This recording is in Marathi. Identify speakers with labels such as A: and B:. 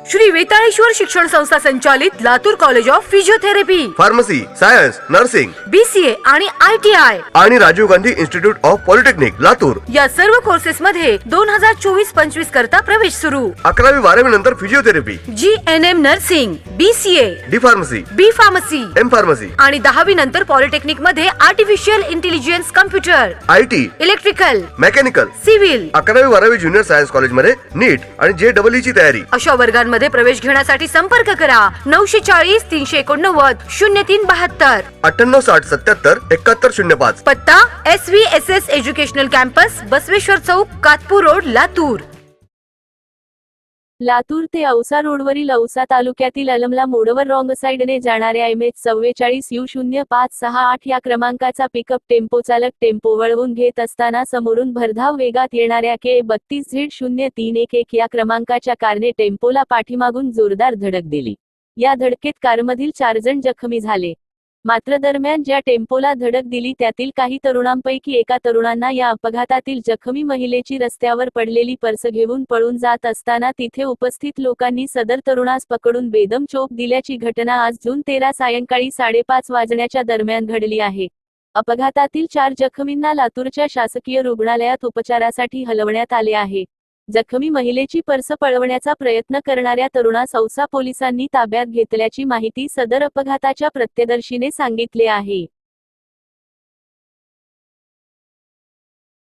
A: श्री वेताळेश्वर शिक्षण संस्था संचालित Latur college of physiotherapy,
B: pharmacy, science, nursing,
A: BCA आणि ITI
B: आणि Rajiv Gandhi institute of polytechnic Latur
A: या सर्व कोर्सेस मध्ये 2024-25 करता प्रवेश सुरू।
B: 11वी-12वी नंतर physiotherapy,
A: GNM nursing, BCA,
B: D pharmacy,
A: B pharmacy
B: M pharmacy
A: आणि 10वी नंतर पॉलिटेक्निक मध्ये artificial intelligence, computer,
B: IT,
A: electrical,
B: mechanical,
A: civil
B: 11वी-12वी ज्युनियर सायन्स कॉलेज मध्ये नीट आणि JEE ची तयारी।
A: अशा वर्गांमध्ये प्रवेश घेण्यासाठी संपर्क करा 940 389 0372,
B: 9860777105।
A: पत्ता SVSS educational campus, Basaveshwar Chowk, Katpur road, Latur.
C: Latur ते औसा रोडवरील औसा तालुक्यातील अलमला मोडवर रॉंग साइडने जाणाऱ्या MH44U0568 या क्रमांकाचा पिकअप टेम्पो चालक टेम्पो वळवून घेत असताना समोरून भरधाव वेगात येणाऱ्या K32Z0311 या क्रमांकाच्या कारने टेम्पोला पाठीमागून जोरदार धडक दिली। या धडकेत कारमधील 4 जण जखमी झाले। मात्र दरम्यान ज्या टेम्पोला धडक दिली त्यातील काही तरुणांपैकी एका तरुणांना या अपघातातील जखमी महिलेची रस्त्यावर पडलेली पर्स घेऊन पळून जात असताना तिथे उपस्थित लोकांनी सदर तरुणास पकडून बेदम चोप दिल्याची घटना आज जून 13 सायंकाळी 5:30 वाजण्याच्या दरम्यान घडली आहे। अपघातातील 4 जखमींना लातूरच्या शासकीय रुग्णालयात उपचारासाठी हलवण्यात आले आहे। जखमी महिलेची पर्स पळवण्याचा प्रयत्न करणाऱ्या तरुणास औसा पोलिसांनी ताब्यात घेतल्याची माहिती सदर अपघाताच्या प्रत्यक्षदर्शीने सांगितले आहे।